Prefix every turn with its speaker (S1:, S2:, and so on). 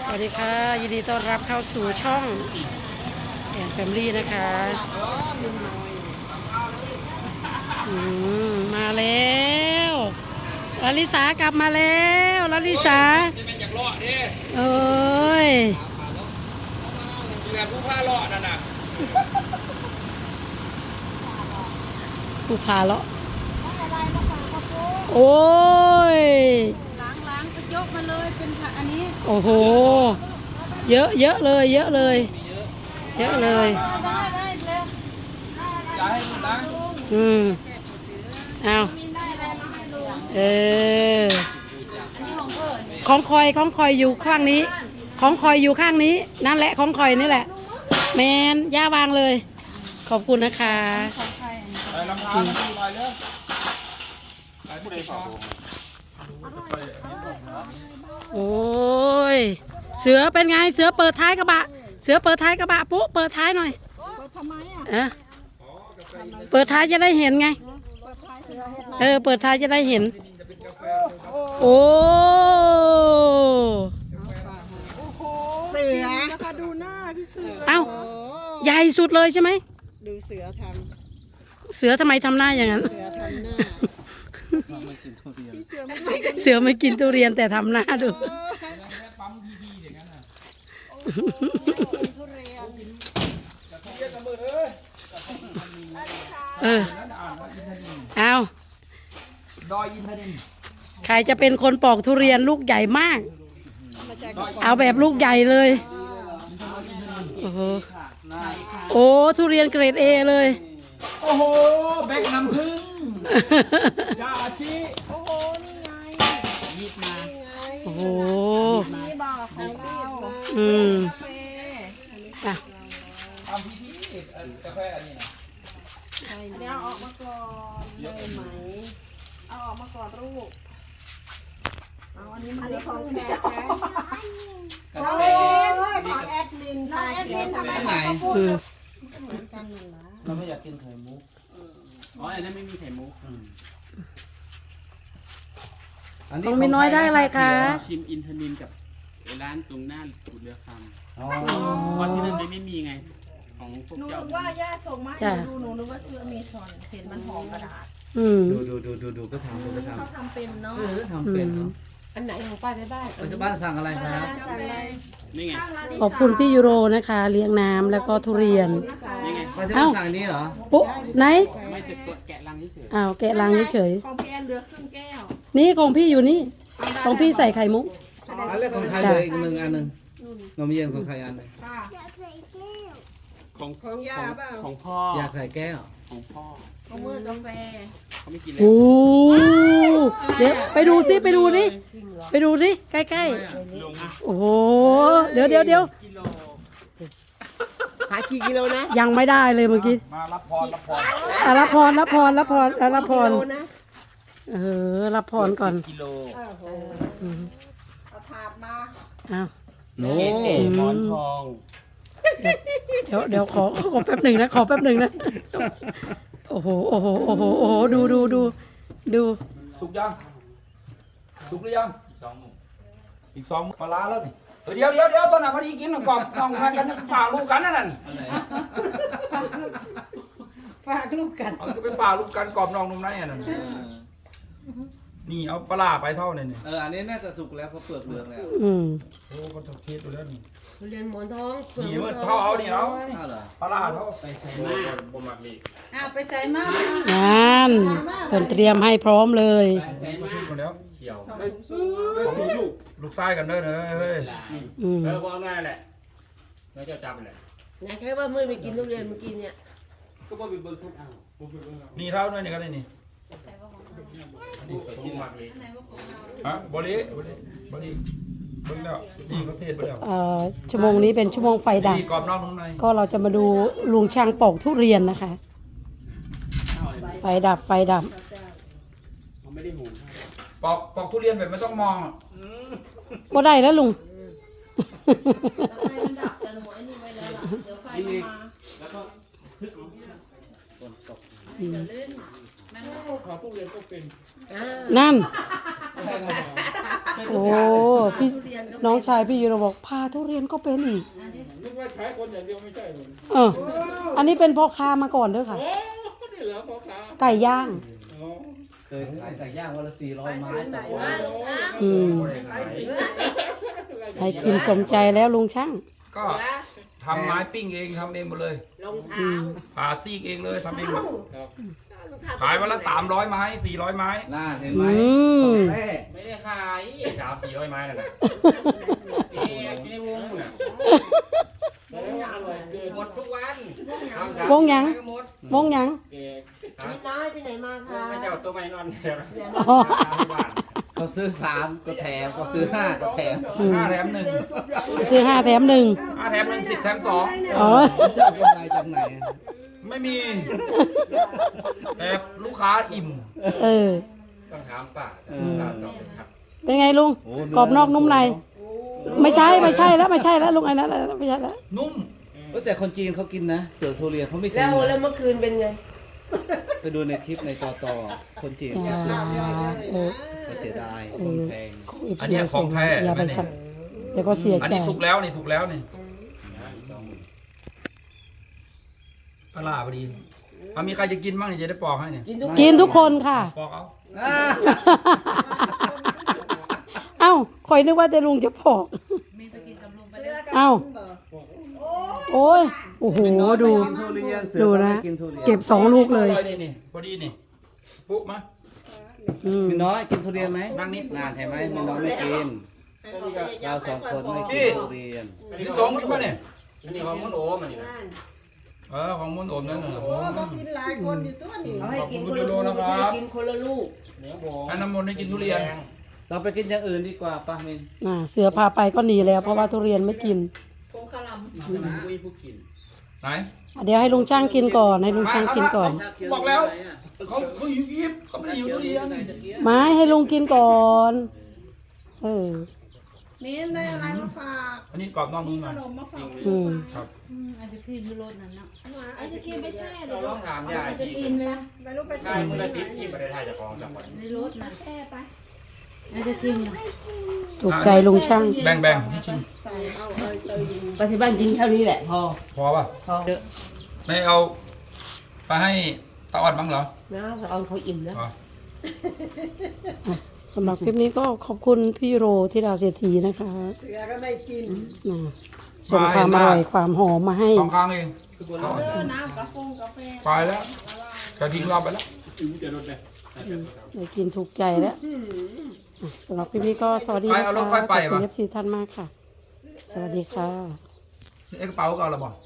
S1: สวัสดีค่ะยินดีต้อนรับเข้าสู่ช่องแอนแฟมิลี่นะคะมาแล้วลาลิสากลับมาแล้วลาลิสาเอ้ย
S2: แบบผู้พาเลาะนั่นน่ะ
S1: ผู้พาเลาะโอ้ย
S3: ล้างไปยกมาเลยเป็นอันนี้
S1: โอ้โหเยอะเลยเยอะเลยเยอะเลย
S3: ได้เร็ว
S2: อย่าให้ลุงนะ
S1: เอาของคอยอยู่ข้างนี้ของคอยอยู่ข้างนี้นั่นแหละของคอยนี่แหละแมนย่าวางเลยขอบคุณนะคะ
S2: ไปลำพานลอยเรือไปผู้ใดฝาก
S1: โอ้ยเสือเป็นไงเสือเปิดท้ายกระบะเสือเปิดท้ายกระบะปุ๊เปิดท้ายหน่อย
S3: เปิดทำไม
S1: เปิดท้ายจะได้เห็นไงเปิดท้ายจะได้เห็นโอ้
S3: เสือนะคะดูหน้าพี่เสือ
S1: เอ้าใหญ่สุดเลยใช่ไหม
S3: ดูเสือท
S1: ำไมทำหน้าอย่างนั้น
S3: เสือทำหน้า
S1: เสือไม่กินทุเรียนแต่ทำหน้าดูเอา
S2: ดอยอินทนิน
S1: ใครจะเป็นคนปอกทุเรียนลูกใหญ่มากเอาแบบลูกใหญ่เลยโอ้โหโอ้ทุเรียนเกรด A เลย
S2: โอ้โหแบกน้ำผึ้งยาชี
S3: โอ้โหนี่ไง
S2: ยิบมา
S1: โอ้โห
S3: นี่บอกของเรา
S1: อ่ะ
S2: ทำพิธีกาแฟอันนี้นะ
S3: เดี๋ยวออกมาก่อนได้ไหมเอาออกมาก่อนลูกเอาอันนี้มันของแขกนะของแอดมินใช่แอดมินทำไมเขาพูดเหมือนกันนั่นล่ะ
S2: เราไม่อยากกินไข่มุก
S4: อ๋ออันนั้นไม่มีไข่มุก
S1: ของมีน้อยได้อะไรคะ
S4: ชิมอินทนินกับร้านตรงหน้าขุดเรือคำเพราะที่นั่นไม่มีไงของพวก
S3: หนู
S4: เจ้า
S3: ว่าย่าส่งมาให้ดูหนูนึกว่าเสื้อมีช้อนเห็นมันหอมกระดาษ
S2: ดูก็ทำ
S3: เขาทำเป็นเนาะ
S2: ทำเป็นเนาะ
S3: อันไหนของป้าได้
S2: ปัจจุบันสั่งอะไรครับ
S4: นี่ไง
S1: ขอบคุณพี่ยูโรนะคะเลี้ยงน้ำแล้วก็ทุเรียน
S4: นี่ไง
S2: ปัจจุบันสั่งนี้เหรอ
S1: ปุ๊ไหน
S4: ไม่จะแกะลังเฉย
S1: อ้าวแกะลังเฉย
S3: ของพี่แอนเหลือครึ่งแก้ว
S1: นี่ของพี่อยู่นี่ของพี่ใส่ไข่มุก
S2: อันเล็กของใครเลยอีกหนึ่งอันหนึ่งนมเย็นของใครอันหนึ่ง
S4: ของยาเปล่าของพ่อ
S2: อยากใส่แก้ว
S4: ของพ่อ
S3: ของมือกาแฟ
S4: เขาไม่กินเลย
S1: โอ้เดี๋ยวไปดูซิไปดูนี่ไปดูนี่ใกล้ๆโอ้โหเดี๋ยว
S3: หากี่กิโลนะ
S1: ยังไม่ได้เลยเมื่อกี้
S2: มารับพรรับพร
S1: รับพรรับพรรับพรรับพรรับพรก่อน
S4: กิโล
S3: เอาถาดมา
S1: อ้าว
S4: โน้หมอนทอง
S1: เดี๋ยวขอแป๊บหนึ่งนะขอแป๊บหนึ่งนะโอ้โหดู
S2: สุกยังสุกหรือยังอีกสองปลาแล้วนี่เดี๋ยวตอนนั้นพอดีกินก่อนน้องกันฝากลูกกันนั่น
S3: ฝากลูกกัน
S2: เอาจะไปฝากลูกกันกรอบน้องนุ่มไหนนั่นนี่เอาปลาไปเท่านี่อันนี้น่าจะสุกแล้วเพราะเปลือกเหลืองแล้วโอ้ก็ถูกเทสดูแล้วนี่
S3: เรียนหมอนทอง
S2: นี่มันเท่าเอานี่เอาปลาเท่า
S4: ไปใส่มาบ่มักลี
S3: ไปใส่มาง
S1: านเพิ่นเตรียมให้พร้อมเลย
S2: ใส่มาหมดแล้วเขียวลูกไส้กันเด้อเฮ้ย
S4: พอง่ายแหละแล้วจะจับแหละ
S3: นะแค่ว่ามือไปกินทุเรียนเมื่อกี้เนี่ย
S4: ก็บ่ไปเบิ่งทุกเอา
S2: นี่เท่าด้วยนี่กันเลยนี่ฮะบริเบิ่งแล้วนี่เขาเทศไปแล้ว
S1: ชั่วโมงนี้เป็นชั่วโมงไฟดับก็เราจะมาดูลุงช่างปอกทุเรียนนะคะไฟดับ
S4: ไม่ได้หู
S2: ปอกทุเรียนแบบไม่ต้องมอง
S1: ก็ได้แล้วลุง
S4: ขอทุเรียนก็เป็น
S1: นั่น โอ้พี่น้องชายพี่ยูโรบอกพาทุเรียนก็เป็นอีก
S4: นึกว่าขายคนอย่างเดียวไม่ใช่เลย
S1: อันนี้เป็นพ่อค้ามาก่อนเด้อค่ะ
S4: โอ้นี่เหรอพ่อค้า
S1: ไก่ย่าง
S4: อ๋อ
S5: เคยขายไก่ย่างวันละ400 ไม้ต่อวัน
S1: อืมให้กินสมใจแล้วลุงช่าง
S2: ก็ทำไม้ปิ้งเองทำเองหมดเลย
S3: รองเท้า
S2: ผ่าซีกเองเลยทำเองหมด
S4: ครับ
S2: ขายวันละ300 ไม้400 ไม้
S5: น่าเห็นไหม
S1: อืม
S5: แม่
S4: ไม่ได้ขาย300-400 ไม้นั่นแหละเอ๊ะกินในวงน่ะอร่อยเกินหมดทุกวัน
S1: วงหยัง วงหยัง
S4: เอ๊ะ
S3: ไม่น้อยไปไหนมาคะ
S4: ไม่เจ้าตัวไม่นอนเดี๋ยว
S1: อ๋อ
S5: เขาซื้อ3ก็แถมเขาซื้อ5ก็แถม
S2: 5 แถม 1
S1: ซื้อ5 แถม 1
S2: 5 แถม 1 10 แถม 2
S1: อ๋อ
S5: จะเอากำไรจากไหน
S2: ไม่มี แต่ลูกค้าอิ่ม
S1: เออ
S4: ต้องถามป้าตอบไม่ชัด
S1: เป็นไงลุง กรอบนอกนุ่มใน ไม่ใช่แล้วลุงไอ้นั่นไม่ใช่แล้ว
S2: นุ่ม
S5: แต่คนจีนเขากินนะเปลือกทุเรียนเขาไม่กิน
S3: แล้ว
S5: นะ
S3: เมื่อคืนเป็นไง
S5: ไปดูในคลิปในต่อคนจีน
S1: อย่าเออ
S5: เขาเสียดายคนแพง
S2: อันเนี้ยของแท้
S1: อย่าไปสั่งเดี๋ยวก็เสีย
S2: อัน
S1: ใจ
S2: นี้สุกแล้วนี่สุกแล้วนี่ปลาร้าพอดีมีใครจะกินบ้างเนี่ยจะได้ปอกให้เนี่ย
S1: กินทุกคนค่ะ
S2: ปอกเอา
S1: เอ้าคอยนึกว่าแต่ลุงจะพอกเอ้าโอ้ยโอ้โหดู
S5: กินทุเรียนเสือ
S1: ดู
S5: ก็
S1: นะ
S5: ไม่กินทุเรียน
S1: เก็บ2 ลูกเลย
S2: นี่พอดีนี่ปุ๊บมา
S1: อืม
S5: มีน้อยกินทุเรียนไหม
S2: นั่งนิด
S5: นานเห็นไหมมีน้อยไม่กินเรา2 คนไม่กินทุเรียน
S2: ที่สองกินป่ะเนี่ย
S4: อันนี้ของมุนโอมันนี่นะ
S2: ของมุนอมนั่นน่ะ
S3: โอ้ก็กินหลายคนอยู่ตัวนี้เขาให้กิน
S2: ขอบคุณคุณยูโรนะครับ
S3: กินคนละลูก
S4: เนื้อโบ
S2: ให้น้ำมนต์ให้กินทุเรียน
S5: เราไปกินอย่างอื่นดีกว่าป้ามิน
S1: เสือพาไปก็หนีแล้วเพราะว่าทุเรียนไม่กิน
S4: คุยผู้กิน
S2: ไหน
S1: เดี๋ยวให้ลุงช่างกินก่อนให้ลุงช่างกินก่อน
S2: บอกแล้วเขายิบเขาไม่ได้หิวทุเรียน
S1: ไม้ให้ลุงกินก่อนเออ
S3: นี่ได้อะไรมาฝาก
S2: อันนี้กรอบนอกนุ่มใน
S3: ขนมมาฝาก
S1: อืม
S2: ครับ
S3: ไอศครีมไม่ใช่
S4: เราต้องถามยายที่
S3: ไม่รู้ไป
S4: ได้มือละ10ที่ประเทศไทยจะครองจังหวัด
S3: แช่ไป
S1: ถูกใจลุงช่าง
S2: แบ่งที่ชิม
S3: ไปที่บ้านกินเท่านี้แหละพอ
S2: พอป่ะ
S3: พอ
S2: ไม่เอาไปให้ตาอ่อนบ้างเหรอ
S3: นะเอาเขาอิ่มแล้ว
S2: อ๋อ
S1: สำหรับคลิปนี้ก็ขอบคุณพี่โรธิดาเศรษฐีนะคะ
S3: เสือก็ได้กิน
S1: ส่งความอร่อยความหอมมาให้
S2: 2 ครั้งเอง
S3: น้ำกาแฟ
S2: ไปแล้วกระทิ้งเราไปแล้ว
S4: ถึงจะลดเลย
S1: ได้กินถูกใจแล้วสำหรับคลิปนี้ก็สวัสดีนะคะขอบคุณเอฟซีท่านมากค่ะ สวัสดีค่ะ
S2: เอ็กกระเป๋าก็เอาละบอก